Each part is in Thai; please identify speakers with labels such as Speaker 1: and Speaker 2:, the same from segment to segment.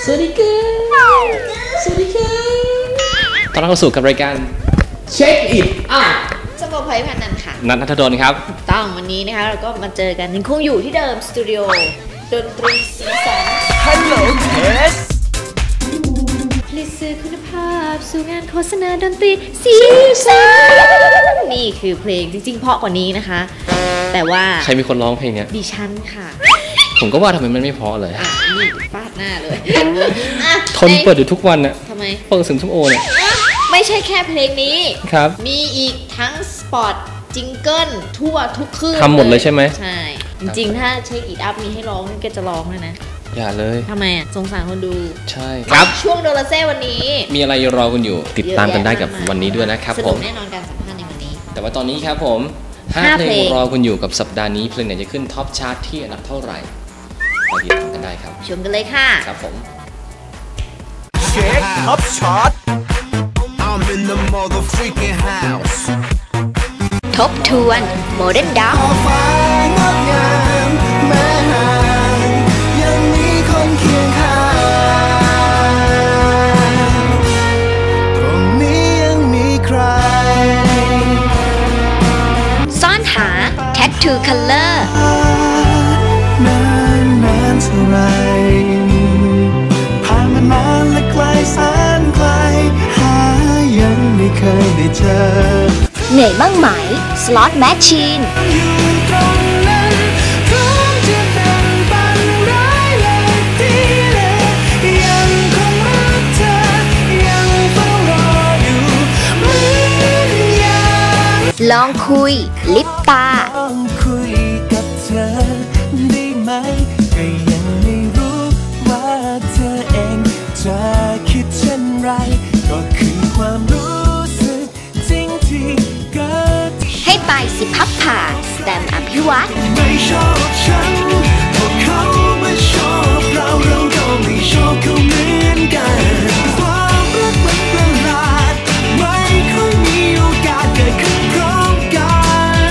Speaker 1: วัสดีครับสวัสดีครับตอนเราเข้าสู่กับรายการเช็คอิท
Speaker 2: สมบูรณ์ไพพันนันค่ะ
Speaker 1: นัท ณัฐดลครับ
Speaker 2: ต้องวันนี้นะคะเราก็มาเจอกันยังคงอยู่ที่เดิมสตูดิโอดนตรีสีสัน
Speaker 3: Hello Test
Speaker 2: ผลิตสื่อคุณภาพสู่งานโฆษณาดนตรีสีสันนี่คือเพลงจริงๆเพราะกว่านี้นะคะแต่ว่า
Speaker 1: ใครมีคนร้องเพลงเนี้ย
Speaker 2: ดิฉันค่ะ
Speaker 1: ผมก็ว่าทำไมมันไม่เพราะเลย
Speaker 2: นี่ฟาดหน้าเลย
Speaker 1: ทนเปิดอยู่ทุกวันน่ะ
Speaker 2: ทำไม
Speaker 1: เปิด10 ชั่วโมงเนี่ย
Speaker 2: ไม่ใช่แค่เพลงนี้
Speaker 1: ครับ
Speaker 2: มีอีกทั้งสปอตจิงเกิลทั่วทุกคืน
Speaker 1: ทำหมดเลยใช่ไหม
Speaker 2: ใช่จริงๆถ้าเช็คอิทอัพมีให้ร้องนี่ก็จะร้องเลยนะ
Speaker 1: อย่าเลย
Speaker 2: ทำไมสงสารคนดู
Speaker 1: ใช่ครับ
Speaker 2: ช่วงโดราเซ่วันนี้
Speaker 1: มีอะไรรอคุณอยู่ติดตามกันได้กับวันนี้ด้วยนะครับผม
Speaker 2: แน่นอนการสัมภาษณ์ในวันนี้
Speaker 1: แต่ว่าตอนนี้ครับผม5 เพลงรอคุณอยู่กับสัปดาห์นี้เพลงไหนจะขึ้นท็อปชาร์ตที่อันดับเท่าไหร่ไปติดตามกันได้ครับ
Speaker 2: ชมกันเลยค่ะ
Speaker 1: ครับผม
Speaker 3: เช็คท็อปชาร์ต I'm in the mother freaking house
Speaker 2: ทบทวนโมเดิร์นด็อกซ่อนหา Tattoo Color
Speaker 3: นานเท่าไรผ่านมานานและไกลแสนไกลหายังไม่เคยได้เจอ
Speaker 2: เหนื่อยบ้างไหม Slot Machine ลองคุยลิปตา
Speaker 3: ลองคุยกับเธอได้ไหมก็ยังไม่รู้ว่าเธอเองจะคิดเช่นไรก็คือความรู้สึกจริงที่เกิด
Speaker 2: ให้ไปสิพับผ่าสแตมป์อภิวัต
Speaker 3: ไม่ชอบฉันพวกเขาไม่ชอบเราก็ไม่ชอบเขาเหมือนกันความรักมันประหลาดไม่ค่อยมีโอกาสเกิดขึ้นพร้อมกัน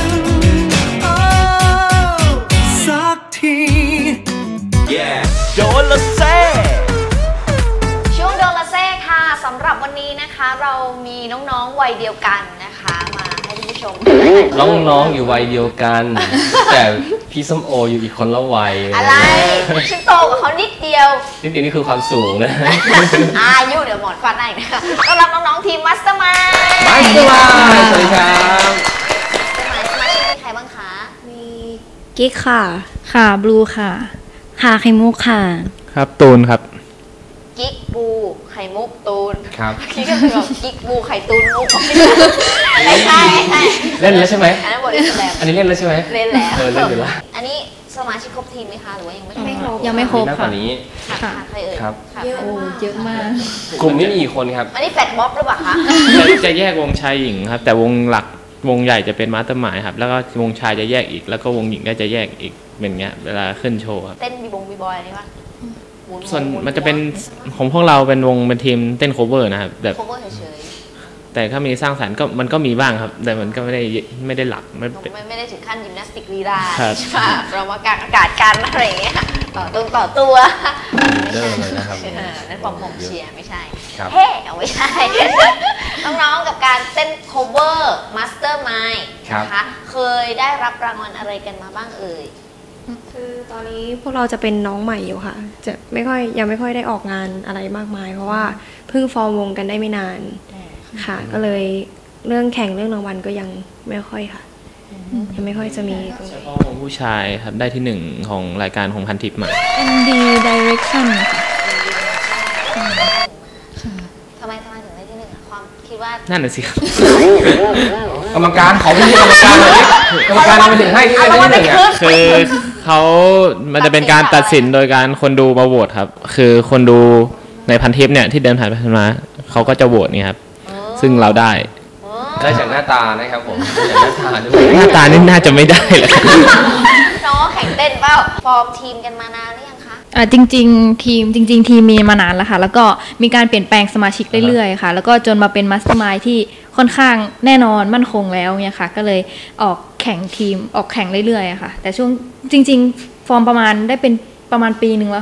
Speaker 3: สักที โดนละเซ่
Speaker 2: ช่วงโดนละเซ่ค่ะสำหรับวันนี้นะคะเรามีน้องๆวัยเดียวกันนะคะมาให้ท่านผู้ชม
Speaker 1: น้องๆอยู่วัยเดียวกันแต่พี่ส้มโออยู่อีกคนละวัย
Speaker 2: อะไรฉันโตกว่าเขานิดเดียว
Speaker 1: นี่คือความสูงนะ
Speaker 2: อายุเดี๋ยวหมอนฟันได้นะคะต้อนรับน้องๆทีมมัสเตอร์มาย
Speaker 1: สวัสดีครับ
Speaker 2: สมาชิกมีใครบ้างคะ
Speaker 4: มีกิ๊กค่ะบลูค่ะไข่มุกค่ะ
Speaker 1: ครับตูนครับ
Speaker 2: กิ๊กบูไข่มุกตูน
Speaker 1: ครับ
Speaker 2: กิ๊กก็คือกิ๊กบูไข่ตูนมุกของพี่ไม่ใช่
Speaker 1: เล่นแล้วใช่ไหม
Speaker 2: อันนั้นบทเล่นแสดง
Speaker 1: อันนี้เล่นแล้วใช่ไหม
Speaker 2: เล่นแล้ว
Speaker 1: เล่นอยู่แล้ว
Speaker 2: อันนี้สมาชิกครบทีมไหมคะหรือว่ายังไม่ครบ
Speaker 4: ยังไม่ครบค่ะ
Speaker 2: ค่ะใครเอ่ย
Speaker 1: ครับ
Speaker 4: เยอะมาก
Speaker 1: กลุ่มนี้มีกี่คนครับ
Speaker 2: อันนี้แฟตบ๊อบหรือเปล่าคะ
Speaker 5: จะแยกวงชายหญิงครับแต่วงหลักวงใหญ่จะเป็นมาสเตอร์มายครับแล้วก็วงชายจะแยกอีกแล้วก็วงหญิงก็จะแยกอีกเป็นเงี้ยเวลาขึ้นโชว์ครับ
Speaker 2: เต้นบีบอยอะไรวะ
Speaker 5: ส่วนมันจะเป็นของพวกเราเป็นวงเป็นทีมเต้นโคเวอร์นะครับแบบ
Speaker 2: โคเวอร์เฉย
Speaker 5: ๆแต่ถ้ามีสร้างสรรค์ก็มันก็มีบ้างครับแต่มันก็ไม่ได้หลัก
Speaker 2: ไม่ได้ถึงขั้นยิมนาสติกลีลาใช่ป่ะเรามากางอากาศกันอะไรอย่างเงี้ยต่อตัว
Speaker 1: ไม่ใช่นะครับ
Speaker 2: นั่นปอมเชียร์ไม่ใช่เฮ้ไม่ใช่น้องๆกับการเต้นโคเวอร์มาสเตอร์มายนะคะเคยได้รับรางวัลอะไรกันมาบ้างเอ่ย
Speaker 4: คือตอนนี้พวกเราจะเป็นน้องใหม่อยู่ค่ะจะยังไม่ค่อยได้ออกงานอะไรมากมายเพราะว่าเพิ่งฟอร์มวงกันได้ไม่นานค่ะก็เลยเรื่องแข่งเรื่องรางวัลก็ยังไม่ค่อยค่ะยังไม่ค่อยจะมี
Speaker 5: เฉพาะวงผู้ชายครับได้ที่1ของรายการของพันทิปมา
Speaker 4: MD Direction
Speaker 2: ค่ะทำไมถึงได้ที่1ความคิดว่า
Speaker 5: นั่นน่ะสิครับ
Speaker 1: กรรมการขอพี่กรรมการเลยกรรมการมาถึงให้ที่ได้ที่1
Speaker 5: คือมันจะเป็นการตัดสินโดยการคนดูมาโหวตครับคือคนดูในพันทิปเนี่ยที่เดินผ่านไปผ่านมาเขาก็จะโหวตนี่ครับซึ่งเราได้
Speaker 1: จากหน้าตานะครับผม
Speaker 5: หน้าตานี่น่าจะไม่ได้เลย
Speaker 2: น้องแข่งเต้นเปล่าฟอร์มทีมกันมานานหรือยังคะ
Speaker 4: จริงๆทีมมีมานานแล้วค่ะแล้วก็มีการเปลี่ยนแปลงสมาชิกเรื่อยๆค่ะแล้วก็จนมาเป็นมาสเตอร์มายด์ที่ค่อนข้างแน่นอนมั่นคงแล้วเนี่ยค่ะก็เลยออกแข่งทีมออกแข่งเรื่อยๆค่ะแต่ช่วงจริงๆฟอร์มประมาณได้เป็นประมาณปีนึงแล้วค่ะ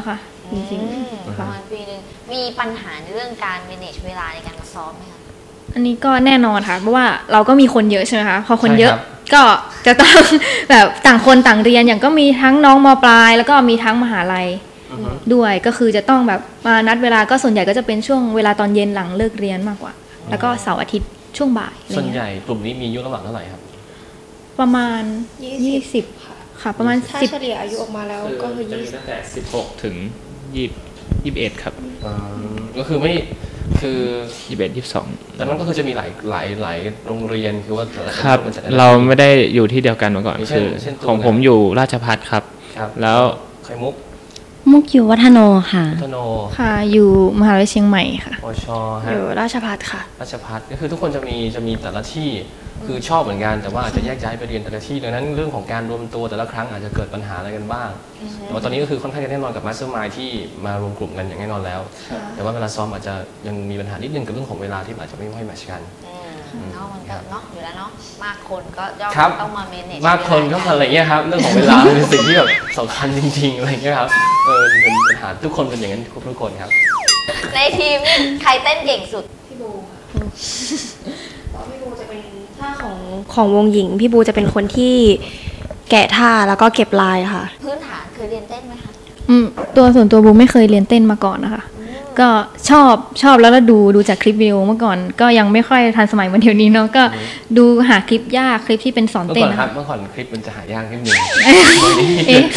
Speaker 4: จริง
Speaker 2: ประมาณปีนึงมีปัญหาในเรื่องการ manage เวลาในการมาซ้อมไหมคะ
Speaker 6: อันนี้ก็แน่นอนค่ะเพราะว่าเราก็มีคนเยอะใช่ไหมคะพอคนเยอะ
Speaker 1: ใช่ครับ
Speaker 6: ก็จะต้อง แบบต่างคนต่างเรียนอย่างก็มีทั้งน้องมปลาย แล้วก็มีทั้งมหาลัยด้วยก็คือจะต้องแบบมานัดเวลาก็ส่วนใหญ่ก็จะเป็นช่วงเวลาตอนเย็นหลังเลิกเรียนมากกว่า แล้วก็เสาร์อาทิตย์ช่วงบ่ายอะไร
Speaker 1: ส่วน
Speaker 6: เงี้
Speaker 1: ให
Speaker 6: ย
Speaker 1: ญ่กลุ่มนี้มีอายุระหว่างเท่าไหร่ครับ
Speaker 6: ประมาณ
Speaker 4: 20 ค่ะ
Speaker 6: ค่ะประมาณ
Speaker 4: ถ้า
Speaker 6: 10
Speaker 4: เฉลี่ยอายุออกมาแล้วก็คือ
Speaker 5: จะมีตั้งแต่16ถึง21ครับ
Speaker 1: ก็คือไม่คือ
Speaker 5: 21 22
Speaker 1: แต่นั้นก็คือจะมีหลายโรงเรียนคือว่าแต่ละ
Speaker 5: ครับ
Speaker 1: มันจะได้
Speaker 5: เราไม่ได้อยู่ที่เดียวกันมาก่อน
Speaker 1: อย่างเช่น
Speaker 5: คือ
Speaker 1: เช่นตัว
Speaker 5: ของ
Speaker 1: ไหน
Speaker 5: ผมอยู่ราชภัฏครับ
Speaker 1: ครับ
Speaker 5: แล้ว
Speaker 1: ไข่มุก
Speaker 7: มุกอยู่วัฒโนค่ะ
Speaker 1: พัฒโน
Speaker 6: ค่ะอยู่มหาวิทยาลัยเชียงใหม่ค่ะ
Speaker 1: ปชฮะ
Speaker 4: อยู่ราชภัฏค่ะ
Speaker 1: ราชภัฏก็คือทุกคนจะมีแต่ละที่คือชอบเหมือนกันแต่ว่าอาจจะแยกย้ายไปเรียนแต่ละที่ดังนั้นเรื่องของการรวมตัวแต่ละครั้งอาจจะเกิดปัญหาอะไรกันบ้างแต่ว่าตอนนี้ก็คือค่อนข้างจะแน่นอนกับมาสเตอร์มายที่มารวมกลุ่มกันอย่างแน่นอนแล้ว แต่ว่าเวลาซ้อมอาจจะยังมีปัญหานิดนึงกับเรื่องของเวลาที่อาจจะไม่ค่อยแมทช์กัน
Speaker 2: เนาะมันก็เนาะอยู่แล้วเนาะมากคนก็ย่อม
Speaker 1: ครับ
Speaker 2: ต้องมา manage
Speaker 1: มากคนก็อะไรเงี้ยครับเรื่องของเวลา เป็นสิ่งที่แบบสำคัญจริงๆอะไรเงี้ยครับเป็นปัญหาทุกคนเป็นอย่างนั้นทุกคนครับ
Speaker 2: ในทีมนี่ใครเต้นเก่งสุด
Speaker 4: พี่บูค่ะพี่บูจะเป็นท่าของวงหญิง พี่บูจะเป็นคนที่แกะท่าแล้วก็เก็บลายค่ะ
Speaker 2: พื้นฐานเคยเรียนเต้นไหมคะ
Speaker 6: ตัวส่วนตัวบูไม่เคยเรียนเต้นมาก่อนนะคะก็ชอบแล้วดูจากคลิปวิดีโอเมื่อก่อนก็ยังไม่ค่อยทันสมัยเหมือนเดี๋ยวนี้เนาะก็ดูหาคลิปยากคลิปที่เป็นสอน
Speaker 1: เมื่อ
Speaker 6: เต้
Speaker 1: ก่
Speaker 6: น
Speaker 1: อน
Speaker 6: นะ
Speaker 1: ครั
Speaker 6: คะ
Speaker 1: บเมื่อก่อนคลิปมันจะหายากนิดนึง
Speaker 6: เอ๊ะ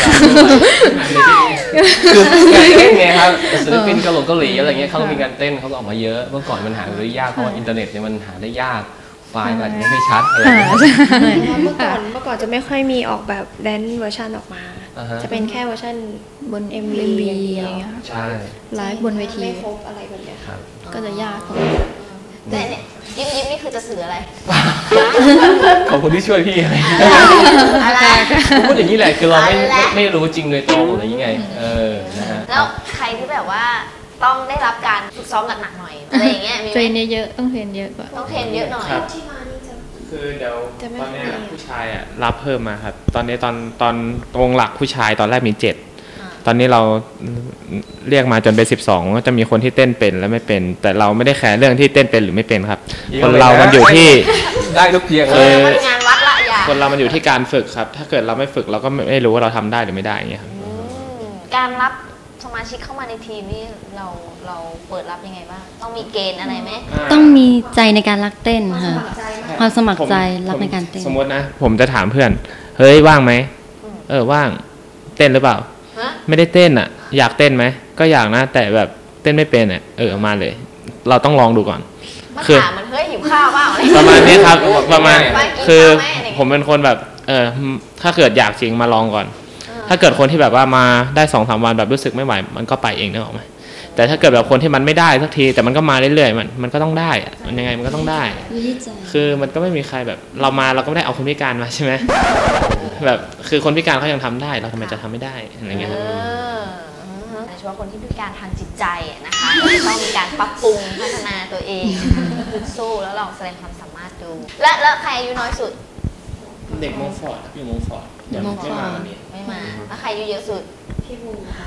Speaker 1: คือการเต้นไงครับศิลปินเกาหลีอะไรเงี้ยเขาก็มีการเต้นเขาก็ออกมาเยอะเมื่อก่อนมันหาได้ยากเพราะว่าอินเทอร์เน็ตเนี่ยมันหาได้ยากไฟล์มันอาจจะไม่ค่อยชัดอะไร
Speaker 6: ค่ะ
Speaker 1: เงี้ย
Speaker 6: ใช่
Speaker 4: เมื่อก่อนจะไม่ค่อยมีออกแบบแดนซ์เวอร์ชันออกมา
Speaker 1: อ่าฮะ
Speaker 4: จะเป็นแค่เวอร์ชัน
Speaker 6: บน
Speaker 4: MV อย่างเดียว
Speaker 6: อะไรเงี้ยค่ะ
Speaker 1: ใช่
Speaker 6: ไลฟ์บนเวที
Speaker 4: ไม่ครบอะไรแบบเนี้ย
Speaker 1: ครับ
Speaker 6: ก็จะยากกว่า
Speaker 2: แต่เนี่ยยิ้มนี่คือจะสื่ออะไร
Speaker 1: ขอบคุณที่ช่วยพี่อะไร
Speaker 2: อะไร
Speaker 1: ผมพูดอย่างนี้แหละคือเราไม่
Speaker 2: อะไร
Speaker 1: ไม่รู้จริงเลยตรงอะไรอย่างเงี้ยนะฮะ
Speaker 2: แล้วใครที่แบบว่าต้องได้รับการฝึกซ้อมหนักๆหน่อยอะไรอย่างเงี้ยมี
Speaker 6: เทรน
Speaker 2: ไหม
Speaker 6: เยอะๆต้องเทรนเยอะกว่า
Speaker 2: ต้องเทรนเยอะหน่อย
Speaker 5: ครับ
Speaker 4: ที่มานี่จะ
Speaker 5: คือเดี๋ยว
Speaker 4: จะไม่
Speaker 5: ตอนเนี้ย
Speaker 4: ค่อย
Speaker 5: ผู้ชายอ่ะรับเพิ่มมาครับ ตอนนี้ตอนวงหลักผู้ชายตอนแรกมี 7 ตอนนี้เราเรียกมาจนเป็น12ก็จะมีคนที่เต้นเป็นและไม่เป็น แต่เราไม่ได้แคร์เรื่องที่เต้นเป็นหรือไม่เป็นครับ คนเรามันอยู่ที่
Speaker 1: ได้ทุกเพียง
Speaker 2: เอ
Speaker 1: เล
Speaker 2: อย มันงานวัดละอย่า
Speaker 5: คนเรามันอยู่ที่การฝึกครับ ถ้าเกิดเราไม่ฝึกเราก็ไม่รู้ว่าเราทำได้หรือไม่ได้อย่างเงี้ยครับ
Speaker 2: การรับสมาชิกเข้ามาในทีมนี่เราเปิดรับยังไงบ้างต้องมีเกณฑ์อะไรไหม
Speaker 7: ต้องมีใจในการรักเต้นค่ะ ความสมัครใจรักในการเต้น
Speaker 5: สมมตินะผมจะถามเพื่อน เฮ้ยว่างไหมว่างเต้นหรือเปล่า
Speaker 2: ฮะ
Speaker 5: ไม่ได้เต้นอ่ะ อยากเต้นไหมก็อยากนะ แต่แบบเต้นไม่เป็นอ่ะเอามาเลย เราต้องลองดูก่อน
Speaker 2: มา
Speaker 5: คือ
Speaker 2: ถามมันเฮ้ยหิวข้าวเปล่าอะไร
Speaker 5: ประมาณนี้ครับ ประมาณ
Speaker 2: มากิน
Speaker 5: คือ
Speaker 2: ข้าวไหมอะไรอย่างเงี้ย
Speaker 5: ผมเป็นคนแบบถ้าเกิดอยากจริงมาลองก่อน ถ้าเกิดคนที่แบบว่ามาได้2-3 วันแบบรู้สึกไม่ไหวมันก็ไปเองนึกออกไหมแต่ถ้าเกิดแบบคนที่มันไม่ได้สักทีแต่มันก็มาเรื่อยๆมันก็ต้องได้อะมันยังไงมันก็ต้องได้ คือมันก็ไม่มีใครแบบเรามาเราก็ไม่ได้เอาคนพิการมาใช่ไหมแบบคือคนพิการเขายังทำได้เราทำไมจะทำไม่ได้อะไรเงี้ยครับ
Speaker 2: โดยเฉพาะคนที่พิการทางจิตใจนะคะต้องมีการปรับปรุงพัฒนาตัวเองสู้แล้วลองแสดงความสามารถดู แล้วใครอายุน้อยสุด
Speaker 5: เด็กมงฟอร์ดอยู่มงฟอร์ดยังไม่มาวันนี้
Speaker 2: ไม่มาแล้วใครอายุเยอะสุด
Speaker 4: พี่บูค่ะ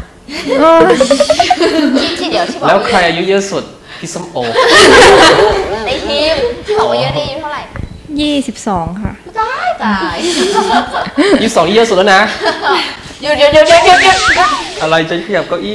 Speaker 2: ที่เดี๋ยวที่บอก
Speaker 1: แล้วใครอายุเยอะสุดพี่ส้มโอ
Speaker 2: ในทีมที่บอกว่าเยอะนี่อายุเท่าไหร่
Speaker 6: 22 ค่ะ
Speaker 2: ตาย
Speaker 1: 22นี่เยอะสุดแล้วนะ
Speaker 2: หยุด
Speaker 1: อะไรจะขยับเก้าอี้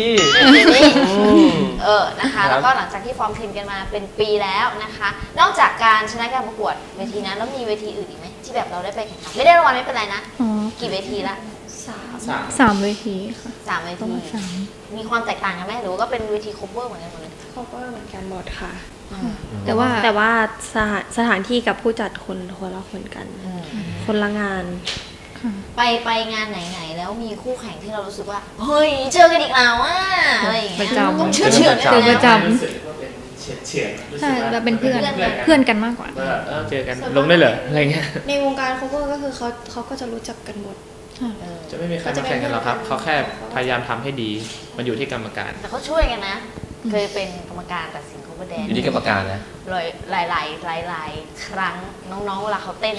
Speaker 2: นะคะ
Speaker 1: ครับ
Speaker 2: แล้วก็หลังจากที่ฟอร์มทีมกันมาเป็นปีแล้วนะคะ นอกจากการชนะการประกวดเวทีนั้นแล้วมีเวทีอื่นอีกไหมที่แบบเราได้ไปแข่งขันไม่ได้รางวัลไม่เป็นไรนะ
Speaker 6: อ๋อ
Speaker 2: กี่เวทีละ
Speaker 6: 3 เวทีค่ะ
Speaker 2: 3 เว
Speaker 6: ประ
Speaker 2: ที
Speaker 6: มาณ
Speaker 2: มีความแตกต่างกันไหมหรือว่าก็เป็นเวที cover เหมือนกันหมดเลย
Speaker 4: เขาก็เหมือนกันหมดค่ะ
Speaker 6: แต่ว่า
Speaker 4: แต่ว่าสถานที่กับผู้จัดคนละคนกัน คนละงาน
Speaker 2: ไปงานไหนๆแล้วมีคู่แข่งที่เรารู้สึกว่าเฮ้ยเจอกันอีกแล้วอ่ะอะไรอย่างเงี้ย
Speaker 6: ประจำ
Speaker 2: ต้องเชื่อๆ
Speaker 6: เจอประจ
Speaker 5: รู้สึกว่าเป็นเฉียด
Speaker 6: ใช่เราเป็นเพื่อนกันมากกว่า
Speaker 5: เจอกันลงได้เหรออะไรเงี้ย
Speaker 4: ในวงการ cover ก็คือเขาก็จะรู้จักกันหมด
Speaker 5: จะไม่มีใครมาแข่งกันหรอกครับเขาแค่พยายามทำให้ดีมันอยู่ที่กรรมการ
Speaker 2: แต่เขาช่วยกันนะ เคยเป็นกรรมการตัดสิน cover แดน
Speaker 1: อยู่ที่กรรมการนะ
Speaker 2: หลายครั้งน้องๆเวลาเขาเต้นเนี่ย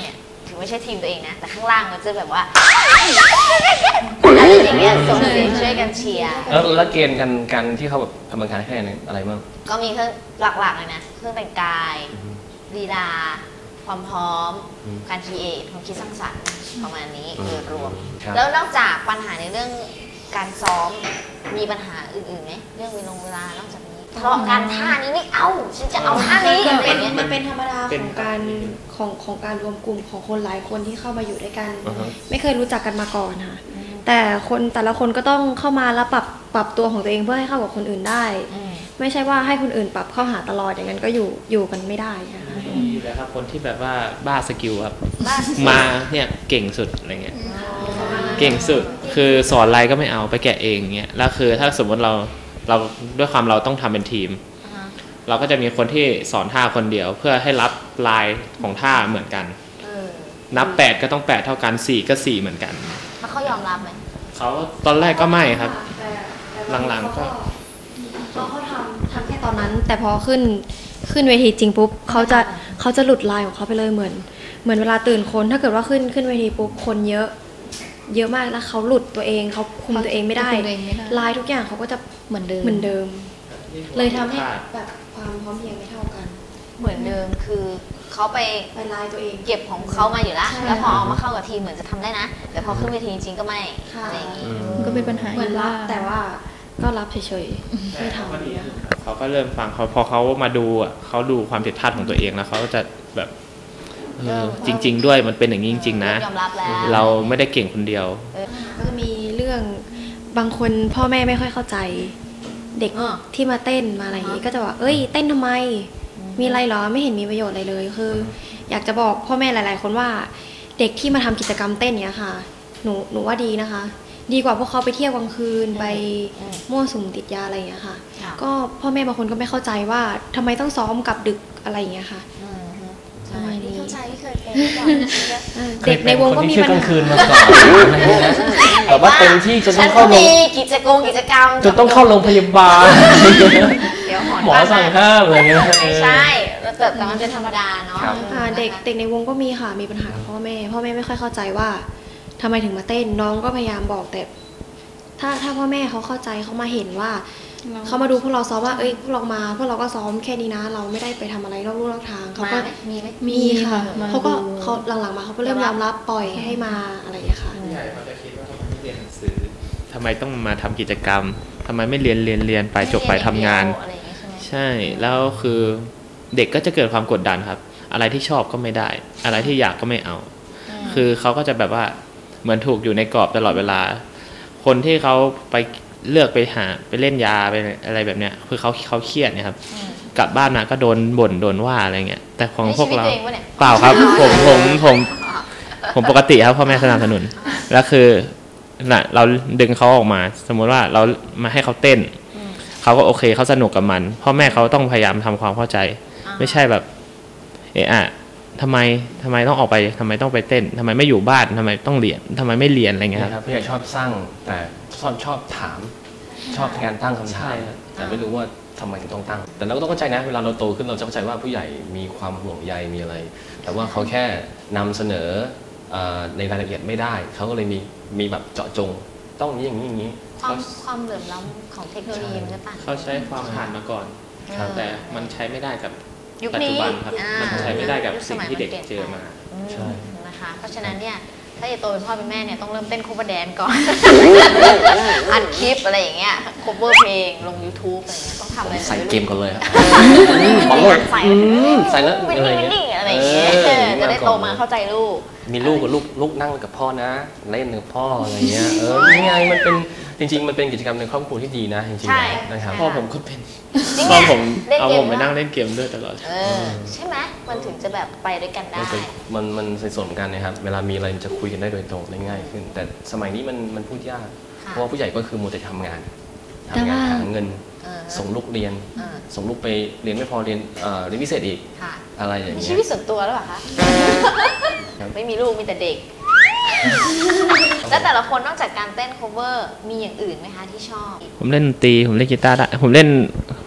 Speaker 2: ถึงไม่ใช่ทีมตัวเองนะแต่ข้างล่างมันจะแบบว่าอะไรอย่างเงี้ยส่งเสียงช่วยกันเชียร์
Speaker 1: แล้วเกณฑ์กันที่เขาแบบกรรมการให้คะแนนอะไรบ้าง
Speaker 2: ก็มีเครื่องหลักๆเลยนะเครื่องแต่งกายลีลาความพร้อมการคิดความคิดสร้างสรรค์ประมาณนี้โดยรวมแล้วนอกจากปัญหาในเรื่องการซ้อมมีปัญหาอื่นๆไหมเรื่องเวลานอกจากนี้เพราะการท่านี้ไม่เอาฉันจะเอาท่านี้อะไรอย่างเงี้ย
Speaker 4: มันเป็นธรรมดาของการรวมกลุ่มของคนหลายคนที่เข้ามาอยู่ด้วยกันไม่เคยรู้จักกันมาก่อนค่ะแต่แต่ละคนก็ต้องเข้ามาแล้วปรับตัวของตัวเองเพื่อให้เข้ากับคนอื่นได้ไม่ใช่ว่าให้คนอื่นปรับเข้าหาตลอดอย่างนั้นก็อยู่กันไม่ได้นะคะ
Speaker 5: มีแล้วครับคนที่แบบว่าบ้าสกิลครับมาเนี่ยเก่งสุดอะไรเงี้ยเก่งสุดคือสอนอะไรก็ไม่เอาไปแกะเองเงี้ยแล้วคือถ้าสมมติเราด้วยความเราต้องทำเป็นทีมเราก็จะมีคนที่สอนท่าคนเดียวเพื่อให้รับลายของท่าเหมือนกันนับ8ก็ต้อง8เท่ากัน4ก็4เหมือนกัน
Speaker 2: แล้วเขายอมรับไหม
Speaker 5: เขาตอนแรกก็ไม่ครับหลังๆก็
Speaker 4: เขาทำแค่ตอนนั้นแต่พอขึ้นเวทีจริงปุ๊บเขาจะหลุดลายของเขาไปเลยเหมือนเวลาตื่นคนถ้าเกิดว่าขึ้นเวทีปุ๊บคนเยอะมากแล้วเขาหลุดตัวเองเขาคุมตัวเองไม่ได้ลายทุกอย่างเขาก็จะเหมือนเดิมเลยทำให้แบบความพร้อมเพรียงไม่เท่ากัน
Speaker 2: เหมือนเดิมคือเขาไป
Speaker 4: ลายตัวเอง
Speaker 2: เก็บของเขามาอยู่แล้วแล้วพอเอามาเข้ากับทีมเหมือนจะทำได้นะแต่พอขึ้นเวทีจริงๆก็ไม่อะไรอย่างงี้
Speaker 6: ก็เป็นปัญหา
Speaker 4: เหมือนรับแต่ว่าก็รับเฉยๆไม่ทำ
Speaker 5: เขาก็เริ่มฟังพอเขามาดูเขาดูความผิดพลาดของตัวเองแล้วเขาก็จะแบบจริงๆด้วยมันเป็นอย่างนี้จริงๆนะเราไม่ได้เก่งคนเดียว
Speaker 4: ก็จะมีเรื่องบางคนพ่อแม่ไม่ค่อยเข้าใจเด็กที่มาเต้นมาอะไรอย่างนี้ก็จะว่าเอ้ยเต้นทำไมมีอะไรหรอไม่เห็นมีประโยชน์อะไรเลยคืออยากจะบอกพ่อแม่หลายๆคนว่าเด็กที่มาทำกิจกรรมเต้นเนี้ยค่ะหนูว่าดีนะคะดีกว่าพวกเขาไปเที่ยวกลางคืนไปมั่วสุมติดยาอะไรอย่างเงี้ยค่ะก็พ่อแม่บางคนก็ไม่เข้าใจว่าทำไมต้องซ้อมกับดึกอะไรอย่างเงี้ยค่ะ
Speaker 2: เข้าใจที่เคยเป็น
Speaker 4: เด็กในวงก็มีปัญหา
Speaker 1: คืนมาก่อนแต่ว่าเต็มที่จนต้องเข้าโรง
Speaker 2: กิจกรรม
Speaker 1: จนต้องเข้าโรงพยาบาลหมอสั่งห้ามอะไรเงี้ย
Speaker 2: ไม่ใช่แต่มันเป็นธรรมดาเนาะ
Speaker 4: เด็กในวงก็มีค่ะมีปัญหากับพ่อแม่ไม่ค่อยเข้าใจว่าทำไมถึงมาเต้นน้องก็พยายามบอกแต่ถ้าพ่อแม่เขาเข้าใจเขามาเห็นว่าเขามาดูพวกเราซ้อมว่าเอ้ยพวกเราก็ซ้อมแค่นี้นะเราไม่ได้ไปทำอะไรนอกลู่นอกทางเขาก็มีค่ะเขาหลังๆมาเขาก็เริ่มยอมรับปล่อยให้มาอะไรอย่างเงี้ยค่ะ
Speaker 5: ใหญ่เขาจะคิดว่าทำไมไม่เรียนหนังสือทำไมต้องมาทำกิจกรรมทำไมไม่เรียนไปจบไปทำงานใช่แล้วคือเด็กก็จะเกิดความกดดันครับอะไรที่ชอบก็ไม่ได้อะไรที่อยากก็ไม่เอาคือเขาก็จะแบบว่าเหมือนถูกอยู่ในกรอบตลอดเวลาคนที่เขาไปเลือกไปเล่นยาไปอะไรแบบเนี้ยคือเขาเครียดเนี่ยครับกลับบ้านมาก็โดนบ่นโดนว่าอะไรเงี้ยแต่ของพวกเราเปล่าครับผมปกติครับพ่อแม่สนับสนุนแล้วคือน่ะเราดึงเขาออกมาสมมติว่าเรามาให้เขาเต้นเขาก็โอเคเขาสนุกกับมันพ่อแม่เขาต้องพยายามทำความเข้าใจไม่ใช่แบบทำไมต้องออกไปทำไมต้องไปเต้นทำไมไม่อยู่บ้านทำไมต้องเรียนทำไมไม่เรียนอะไรเงี้ย
Speaker 1: ครับพี่ใหญ่ชอบสร้างแต่ชอบถามชอบการตั้งคำถามแต่ไม่รู้ว่าทำไมถึงต้องตั้งแต่เราก็ต้องเข้าใจนะเวลาเราโตขึ้นเราจะเข้าใจว่าผู้ใหญ่มีความห่วงใยมีอะไรแต่ว่าเขาแค่นำเสนอในรายละเอียดไม่ได้เขาก็เลยมีแบบเจาะจงต้องอย่างนี้
Speaker 2: ความเหลื่อมล้ำของเทคโนโลยีมันจะต่าง
Speaker 5: เขาใช้ความผ่านมาก่อนแต่มันใช้ไม่ได้กับปัจจุบันครับมันใช้ไม่ได้กับสิ่งที่เด็กเจอมา
Speaker 2: ใช่นะคะเพราะฉะนั้นเนี่ยถ้าจะโตเป็นพ่อเป็นแม่เนี่ยต้องเริ่มเต้นโคเวอร์แดนก่อนอัดคลิปอะไรอย่างเงี้ยโคเวอร์เพลงลง YouTube อะไรเงี้ยต้องทำอะไร
Speaker 1: ใส่เกมก่อนเลยครับ
Speaker 2: บอลโลดใส่แล้วอะไรอย่างเงี้ยจะได้โตมาเข้าใจลูก
Speaker 1: มีลูกกับลูกนั่งกับพ่อนะเล่นกับพ่ออะไรเงี้ยนี่ไงมันเป็นจริงๆมันเป็นกิจกรรมในครอบครัวที่ดีนะจริงๆนะครับ
Speaker 5: พ่อผมก็เป็นพ่อผมเอาผมไปนั่งเล่นเกมด้วยตลอด
Speaker 2: ใช่ไหมมันถึงจะแบบไปด้วยกันได้
Speaker 1: มันสนิทสนมกันนะครับเวลามีอะไรจะคุยกันได้โดยตรงได้ง่ายขึ้นแต่สมัยนี้มันพูดยากเพราะว่าผู้ใหญ่ก็คือมัวแต่ทำงานหาเงินส่งลูกเรียนส่งลูกไปเรียนไม่พอเรียนพิเศษอีกอะไรอย่างเงี้ย
Speaker 2: ชีวิตส่วนตัวหรือเปล่าคะไม่มีลูกมีแต่เด็กแล้วแต่ละคนนอกจากการเต้น cover มีอย่างอื่นไหมคะที่ชอบ
Speaker 5: ผมเล่นดนตรีผมเล่นกีตาร์ได้ผมเล่น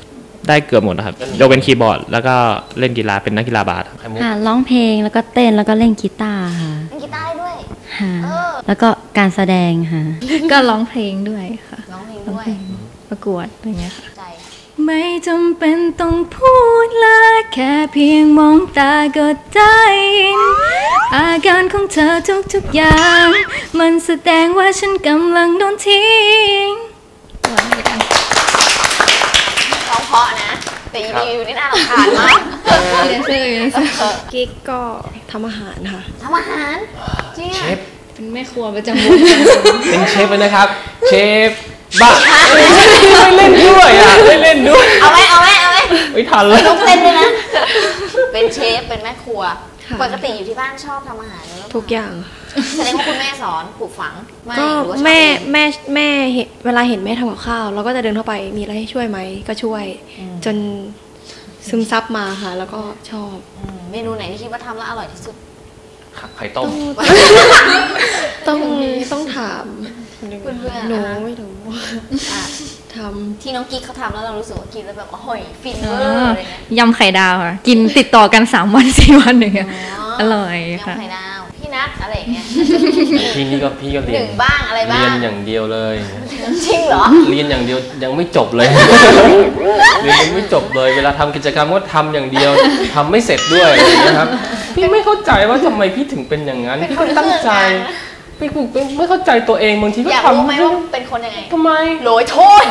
Speaker 5: ได้เกือบหมดนะครับยกเป็นคีย์บอร์ดแล้วก็เล่นกีฬาเป็นนักกีฬาบาส
Speaker 7: ค่ะร้องเพลงแล้วก็เต้นแล้วก็เล่นกีตาร์ค่ะ
Speaker 2: เล่นกีตาร์ได้ด้วย
Speaker 7: ค่ะแล้วก็การแสดงค่ะ
Speaker 6: ก็ร้องเพลงด้วยค่ะ
Speaker 2: ร้องเพลงด้วย
Speaker 6: ประกวดอะไรเงี้ยค่ะ
Speaker 2: ใจ
Speaker 6: ไม่จำเป็นต้องพูดเลยแค่เพียงมองตาก็ได้ยินอาการของเธอทุกๆอย่างมันแสดงว่าฉันกำลังโดนทิ้ง
Speaker 2: ร้องเพราะนะ แต่อีรีวิวนี่น่ารำคาญมาก
Speaker 6: เรียนเสื้อ
Speaker 4: กิ๊กก็ทำอาหารค่ะ
Speaker 2: ทำอาหารจริง
Speaker 1: เช
Speaker 2: อะ
Speaker 1: ฟ
Speaker 6: เป็นแม่ครัวประจำวง
Speaker 1: เป็นเชฟเลยนะครับ เชฟบ้าไม่เล่นด้วยอ่ะไม่เล่นด้วย
Speaker 2: เอาไหม
Speaker 1: ไม่ทันเลย
Speaker 2: ต้องเต้นด้วยนะ เป็นเชฟเป็นแม่ครัว
Speaker 4: ค่ะ
Speaker 2: ปกติอยู่ที่บ้านชอบทำอาหารหรือเปล่า
Speaker 4: ทุกอย่าง
Speaker 2: แสดงว่าคุณแม่สอนปลูกฝังไม่
Speaker 4: ก็
Speaker 2: หรือว่าชอบ
Speaker 4: แม่
Speaker 2: เอง
Speaker 4: แม่เห็นเวลาเห็นแม่ทำกับข้าวเราก็จะเดินเข้าไปมีอะไรให้ช่วยไหมก็ช่วย จนซึมซับมาค่ะ แล้วก็ชอบ
Speaker 2: เมนูไหนที่คิดว่าทำแล้วอร่อยที่สุด
Speaker 1: ไข่ต้ม
Speaker 4: ต้องถาม
Speaker 2: เพื่อนๆ
Speaker 4: หนู
Speaker 2: นะคะ
Speaker 4: ไม่รู้
Speaker 2: อ่ะ
Speaker 4: ทำ
Speaker 2: ที่น้องกิ๊กเขาทำแล้วเรารู้สึกว่ากินแล้วแบบโอ้ยฟินเวอร์อะไรเงี้ย
Speaker 6: ยำไข่ดาวค่ะ กินติดต่อกัน3 วัน 4 วันอย่างเงี้ยอร่อยค่ะ
Speaker 2: ยำไข่ดาวพี่นัทอะไรอย่างเงี้ย
Speaker 1: พี่ก็เรี
Speaker 2: ห
Speaker 1: ย
Speaker 2: นึ่
Speaker 1: น
Speaker 2: งบ้างอะไรบ้าง
Speaker 1: เรียนอย่างเดียวเลย
Speaker 2: จริงเหรอ
Speaker 1: เรียนอย่างเดียวยังไม่จบเลย เรียนยังไม่จบเลย เวลาทำกิจกรรมก็ทำอย่างเดียวทำไม่เสร็จด้วยอะไรอย่างเงี้ยครับพี่ไม่เข้าใจว่าทำไมพี่ถึงเป็นอย่างนั้นพี่ก็ตั้งใจพี่ไม่เข้าใจตัวเองบางทีก็
Speaker 2: อยาก
Speaker 1: ทำ
Speaker 2: รู้ไหมว่าเป็นคนยังไง
Speaker 1: ทำไม
Speaker 2: โรยโทษ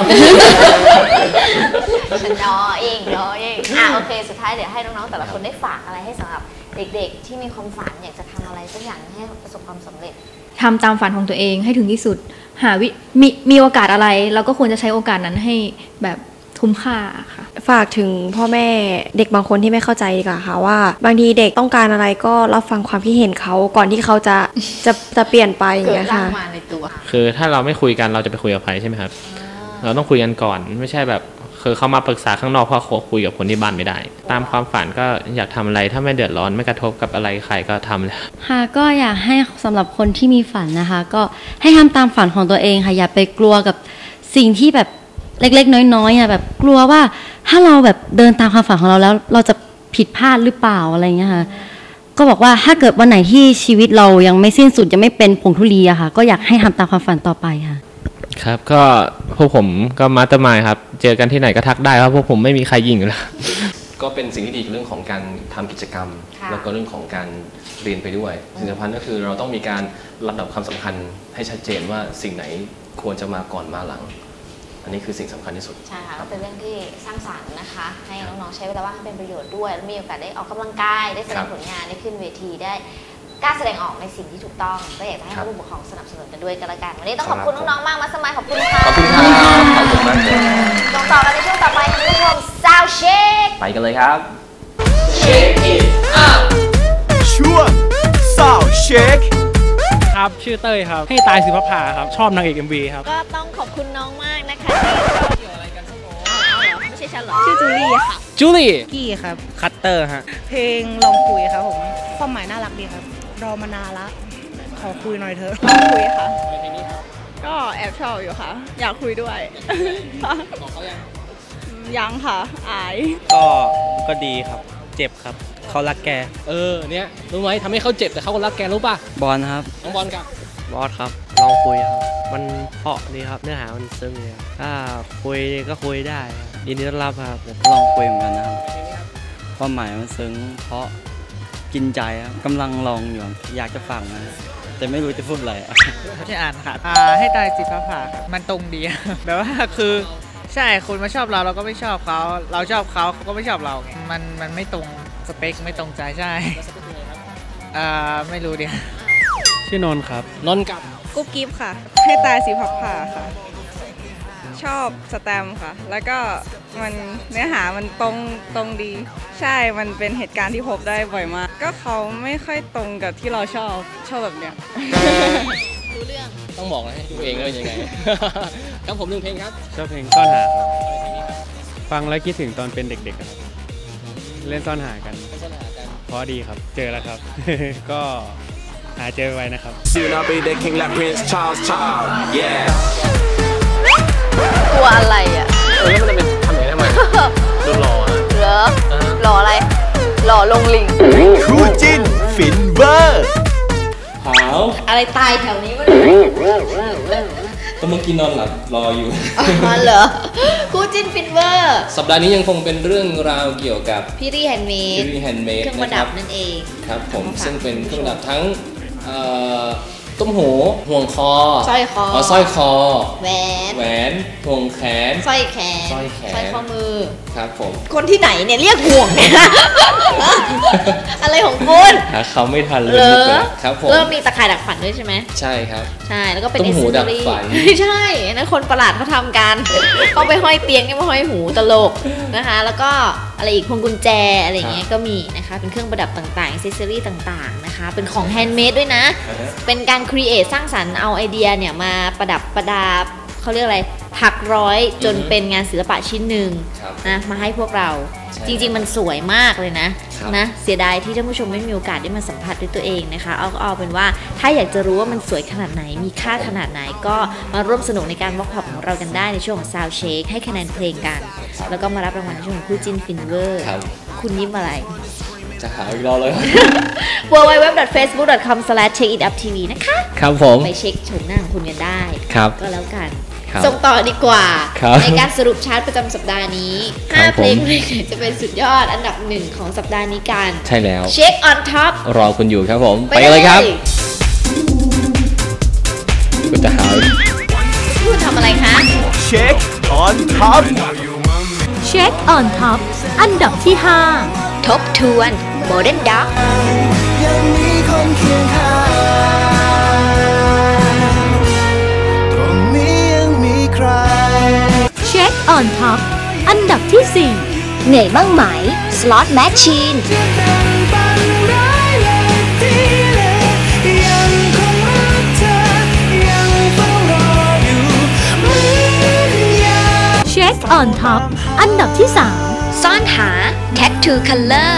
Speaker 2: ฉันรอเองโอเคสุดท้ายเดี๋ยวให้น้องๆแต่ละคนได้ฝากอะไรให้สำหรับเด็กๆที่มีความฝันอยากจะทำอะไรสักอย่างให้ประสบความสำเร็จ
Speaker 6: ทำตามฝันของตัวเองให้ถึงที่สุดหามีโอกาสอะไรเราก็ควรจะใช้โอกาสนั้นให้แบบคุ้มค่าค่ะ
Speaker 4: ฝากถึงพ่อแม่เด็กบางคนที่ไม่เข้าใจดีกว่าค่ะว่า บางทีเด็กต้องการอะไรก็รับฟังความคิดเห็นเขาก่อนที่เขาจะเปลี่ยนไปอย่าง
Speaker 2: เกิด
Speaker 4: เงี้ย
Speaker 2: ร่าง
Speaker 4: ค่ะ
Speaker 2: มาในตัว
Speaker 5: คือถ้าเราไม่คุยกันเราจะไปคุยกับใครใช่ไหมครับเราต้องคุยกันก่อนไม่ใช่แบบคือเขามาปรึกษาข้างนอกเพราะคุยกับคนที่บ้านไม่ได้ ตามความฝันก็อยากทำอะไรถ้าไม่เดือดร้อนไม่กระทบกับอะไรใครก็ทำเลย
Speaker 7: ค่ะก็อยากให้สำหรับคนที่มีฝันนะคะ ก็ให้ทำตามฝันของตัวเองค่ะอย่าไปกลัวกับสิ่งที่แบบเล็กๆน้อยๆอ่ะแบบกลัวว่าถ้าเราแบบเดินตามความฝันของเราแล้วเราจะผิดพลาดหรือเปล่าอะไรเงี้ยค่ะก็บอกว่าถ้าเกิดวันไหนที่ชีวิตเรายังไม่สิ้นสุดยังไม่เป็นผงธุลีอะค่ะก็อยากให้ทำตามความฝันต่อไปค่ะ
Speaker 5: ครับก็พวกผมก็มาสเตอร์มายด์ครับเจอกันที่ไหนก็ทักได้ครับพวกผมไม่มีใครยิงอยู่แล้ว
Speaker 1: ก็เป็นสิ่งที่ดีเรื่องของการทำกิจกรรม
Speaker 2: ค่ะ
Speaker 1: แล้วก็เรื่องของการเรียนไปด้วยสิ่งสำคัญก็คือเราต้องมีการลำดับความสำคัญให้ชัดเจนว่าสิ่งไหนควรจะมาก่อนมาหลัง อันนี้คือสิ่งสำคัญที่สุด
Speaker 2: ใช่ค่ะก็เป็นเรื่องที่สร้างสรรค์นะคะ ให้น้องๆใช้เวลาว่างให้เป็นประโยชน์ด้วยแล้วมีโอกาสได้ออกกำลังกายได้แสดงผลงานได้ขึ้นเวทีได้กล้าแสดงออกในสิ่งที่ถูกต้องก็อยากจะให้ผู้ปกครองสนับสนุนกันด้วยกันละกันวันนี้ต้องขอบคุณน้องๆมากมาสมัยขอบคุณค่ะ
Speaker 1: ขอบคุณครับขอบคุณมากเลย
Speaker 2: ต่อกันในช่วงต่อไปคุณผู้ชมซาวเชค
Speaker 1: ไปกันเลยครับ
Speaker 3: ช่วง Sound Check
Speaker 8: ครับชื่อเต้ยครับให้ตายสิพภาครับชอบนางเอก MV ครับ
Speaker 2: ก็ต้องขอบคุณน้องมากนะคะที่เกี่ยวอะไรกันสักโไม่ใช่ฉันหรอชื่อจูลี่ค่ะ
Speaker 8: จูลี่
Speaker 9: กี้ครับ
Speaker 8: คัตเตอร์ฮะ
Speaker 9: เพลงลองคุยครับผม ความหมายน่ารักดีครับ รอมานานละ ขอคุยหน่อยเถอะ
Speaker 10: คุยค่ะ ก็แอบชอบอยู่ค่ะ อยากคุยด้วย
Speaker 8: บอกเขายัง
Speaker 10: ยังค่ะ อาย
Speaker 8: ก็ดีครับเจ็บครับเขารักแกเนี่ยรู้ไหมทำให้เขาเจ็บแต่เขาก็รักแกรู้ป่ะ
Speaker 11: บอลครับ
Speaker 8: น้องบอลกับบ
Speaker 11: อสครับลองคุยครับมันเพราะดีครับเนื้อหามันซึ้งเลยครับถ้าคุยก็คุยได้ครับยินดีต้อนรับครับลองคุยเหมือนกันนะครับความหมายมันซึ้งเพราะกินใจครับกำลังลองอยู่อยากจะฟังนะแต่ไม่รู้จะพูดอะไร
Speaker 9: ที่อ่านค่ะให้ตายสิพภาครับมันตรงดี แบบว่าคือใช่คนมาชอบเราก็ไม่ชอบเขาเราชอบเขาเขาก็ไม่ชอบเรามันไม่ตรงสเปคไม่ตรงใจใช่ไม่รู้ดิ
Speaker 8: ชื่อนนท์ครับนนท์กับ
Speaker 10: กุ๊บกิ๊บค่ะ ให้ตายสีผักผ่าค่ะ ชอบสแตมป์ค่ะ แล้วก็มันเนื้อหามันตรงดี ใช่ มันเป็นเหตุการณ์ที่พบได้บ่อยมาก ก็เขาไม่ค่อยตรงกับที่เราชอบแบบเนี้ย
Speaker 2: รู้เรื่อง
Speaker 8: ต้องบอกให้ตัวเองเลยยังไง ครับผม1เพลงครับ
Speaker 12: ชอบเพลงซ่อนหาครับฟังแล้วคิดถึงตอนเป็นเด็กๆครับเล่นซ่อนหากันเพราะดีครับเจอแล้วครับ ก็หาเจอไว้นะครับ
Speaker 3: Soon I'll be the king like Prince Charles Child yeah
Speaker 2: กลัวอะไรอ่ะ
Speaker 1: แล้วมันจะเป็นทำอย่างนี้ทำไม
Speaker 2: ก
Speaker 1: ดูหล่อนะ
Speaker 2: เหรอหล่ออะไรหล่อลงลิง
Speaker 3: คู่จิ้นฟินเวอร์
Speaker 1: หาว
Speaker 2: อะไรตายแถวนี้วะ
Speaker 1: ก็เมื่อกี้นอนหลับรออยู่
Speaker 2: อ๋อเหรอคู่จิ้นฟินเวอร์
Speaker 1: สัปดาห์นี้ยังคงเป็นเรื่องราวเกี่ยวกับ
Speaker 2: พี่รี่แฮนด์เมด
Speaker 1: พิธีแฮนด์เมด
Speaker 2: เครื่องประดับนั่นเอง
Speaker 1: ครับผมซึ่งเป็นเครื่องประดับทั้งต้มหูห่วงคอ
Speaker 2: สร้อยคอ
Speaker 1: สร้อยคอ
Speaker 2: แหวน
Speaker 1: แหวนห่วงแขน
Speaker 2: สร้อยแขน
Speaker 1: สร้อยแขน
Speaker 2: สร้อยข้อมือ
Speaker 1: ครับผม
Speaker 2: คนที่ไหนเนี่ยเรียกห่วงเนี่ย อะไรของคุณ
Speaker 1: หาเขาไม่ทันเลย
Speaker 2: เหรอ
Speaker 1: ครับผม
Speaker 2: เริ่มมีตะข่ายดักฝันด้วยใช่ไหม
Speaker 1: ใช่ครับ
Speaker 2: ใช่แล้วก็เป็น
Speaker 1: ต้มหูดักฝัน
Speaker 2: ไม่ใช่อันนั้นคนประหลาดเขาทำกัน เขาไปห้อยเตียงนี่มาห้อยหูตลกนะคะ แล้วก็อะไรอีกพวงกุญแจอะไรอย่างเงี้ยก็มีนะคะเป็นเครื่องประดับต่างๆอิเซอรี่ต่างๆนะคะเป็นของแฮนด์เมดด้วยนะ เป็นการครีเอทสร้างสรรค์เอาไอเดียเนี่ยมาประดับประดาเขาเรียกอะไรถักร้อยจนเป็นงานศิลปะชิ้นหนึ่งนะมาให้พวกเราจริงๆมันสวยมากเลยนะเสียดายที่ท่านผู้ชมไม่มีโอกาสได้มาสัมผัสด้วยตัวเองนะคะเอาเป็นว่าถ้าอยากจะรู้ว่ามันสวยขนาดไหนมีค่าขนาดไหนก็มาร่วมสนุกในการวอล์กพอปของเรากันได้ในช่วงของ Sound Check ให้คะแนนเพลงกันแล้วก็มารับรางวัลในช่วงของคู่จิ้นฟินเวอร์คุณยิ้มอะไร
Speaker 1: จะหาอีกรอบเลย
Speaker 2: www.facebook.com/checkituptv นะคะ
Speaker 1: ครับผม
Speaker 2: ไปเช็คชมหน้าของคุณกันได้ก็แล้วกัน
Speaker 1: ครับ
Speaker 2: ส่งต่อดีกว่า
Speaker 1: ครับ
Speaker 2: ในการสรุปชาร์ตประจำสัปดาห์นี้
Speaker 1: ครับ
Speaker 2: 5 เพลงไหนจะเป็นสุดยอดอันดับหนึ่งของสัปดาห์นี้กัน
Speaker 1: ใช่แล้ว
Speaker 2: เช็ค on top
Speaker 1: รอคุณอยู่ครับผมไปเลยครับก็จะหา
Speaker 2: พูดทำอะไรคะ
Speaker 3: เช็คออนท็อป
Speaker 13: เช็คออนท็อปอันดับที่ 5
Speaker 2: ทบทวน Modern Dog
Speaker 3: ยังมีคนเคียงข้างตรงนี้ยังมีใคร
Speaker 13: เช็คออนท็อปอันดับที่ 4
Speaker 2: เหนื่อยบ้างไหม Slot Machine
Speaker 13: เช็คออนท็อปอันดับที่
Speaker 2: 3 ซ่อนหา Tattoo Color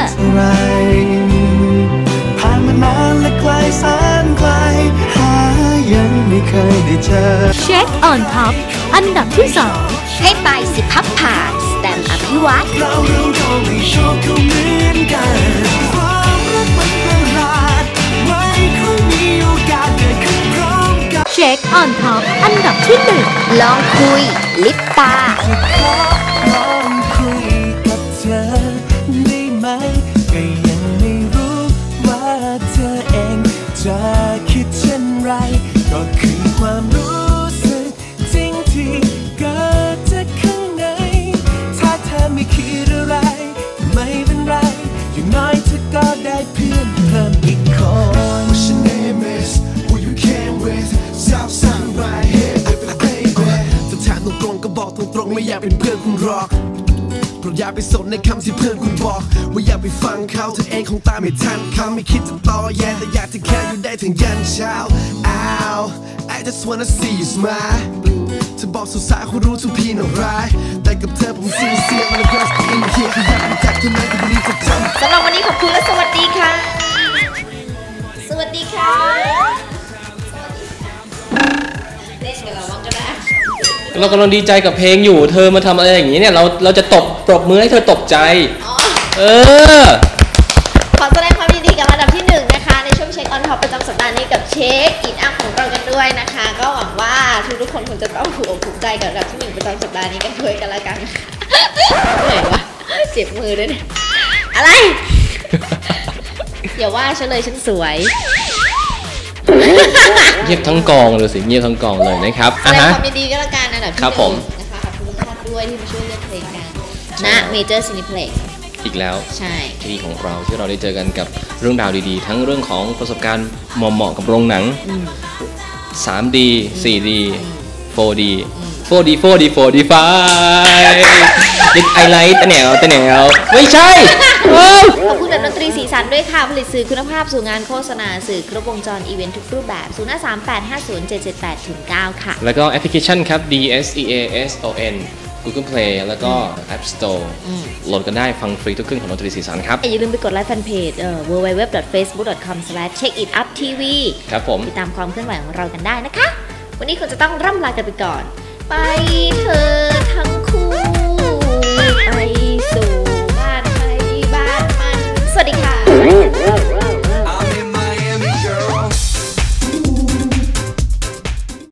Speaker 3: ผ่านมานานและไกลแสนไกลหายังไม่เคยได้เจอ
Speaker 13: เช็คออนท็อปอันดับที่ 2
Speaker 2: ให้ตายสิพับผ่า Stan อภิวัตร
Speaker 3: เราก็ไม่ชอบเขาเหมือนกันความรักมันประหลาดไม่ค่อยมีโอกาสเกิดขึ้นพร้อมกัน
Speaker 13: เช็คออนท็อปอันดับที่ 1
Speaker 2: ลองคุย ลิปตา
Speaker 3: ลองคุยกับเธอได้ไหมก็ยังไม่รู้ว่าเธอเองจะคิดเช่นไรก็คือความรู้สึกจริงที่เกิดจากข้างในถ้าเธอไม่คิดอะไรไม่เป็นไรอย่างน้อยเธอก็ได้เพื่อนเพิ่มอีกคน What's your name is who you came with Southside right here baby จะถามตรงๆก็บอกตรงๆไม่อยากเป็นเพื่อนคุณหรอกโปรดอย่าไปสนในคำที่เพื่อนคุณบอกว่าอย่าไปฟังเขาเธอเองคงตามไม่ทันเขาไม่คิดจะต่อแย่แต่อยากจะแค่อยู่ได้ถึงยันเช้า Ow I just wanna see you smile เธอบอกสาวๆเขารู้ทุกพี่น่าร้ายแต่กับเธอผมเสียมันก็อินเฮียคืออยากรู้จักเท่านั้นก็ดีจะจำ
Speaker 2: สำหรับวันนี้ขอบคุณและสวัสดีค่ะ สวัสดีค่ะเล่นกับเราบ้างก็ได้
Speaker 1: เรากำลังดีใจกับเพลงอยู่เธอมาทำอะไรอย่างนี้เนี่ยเราจะปรบมือให้เธอตกใจ
Speaker 2: ขอแสดงความยินดีกับอันดับที่1นะคะในช่วงเช็คออนท็อปประจำสัปดาห์นี้กับเช็คอินอัพของเรากันด้วยนะคะ ก็หวังว่าทุกคนคงจะต้องถูกอกถูกใจกับอันดับที่1ประจำสัปดาห์นี้กันด้วยกันละกันเหนื่อยวะเจ็บมือด้วยเนี่ยอะไร อย่าว่าฉันเลยฉันสวย
Speaker 1: เงียบทั้งกองเลยสิเงียบทั้งกองเลยนะครับ
Speaker 2: แสดงความยินดีกันละกันอันดับที่1นะคะขอบคุณทุกท่านด้วยที่มาช่วยเลือกเพลงกันนะเมเจอร์ซินิเพล็กซ์
Speaker 1: อีกแล้ว
Speaker 2: ใช่
Speaker 1: ที่ดีของเราที่เราได้เจอกันกับเรื่องราวดีๆทั้งเรื่องของประสบการณ์เหมาะกับโรงหนัง 3D 4D 4D 4D 4D 4D ไฟดิไอไลท์ตะแหนวไม่ใช่
Speaker 2: ขอบคุณแบบดนตรีสีสันด้วยค่ะผลิตสื่อคุณภาพสู่งานโฆษณาสื่อครบวงจรอีเวนต์ทุกรูปแบบ053850778-9ค่ะ
Speaker 1: แล้วก็แอปพลิเคชันครับ DSEASON Google Play แล้วก็ App Store โหลดกันได้ฟังฟรีทุกครึ่งของดนตรีสีสันครับ
Speaker 2: อย่าลืมไปกดไลค์แฟนเพจwww.facebook.com/checkituptv
Speaker 1: ครับผม
Speaker 2: ติดตามความเคลื่อนไหวของเรากันได้นะคะวันนี้คงจะต้องร่ำลากันไปก่อนไปเธอทั้งคู่ไปสู่บ้านใครบ้านมันสวัสดีค่ะ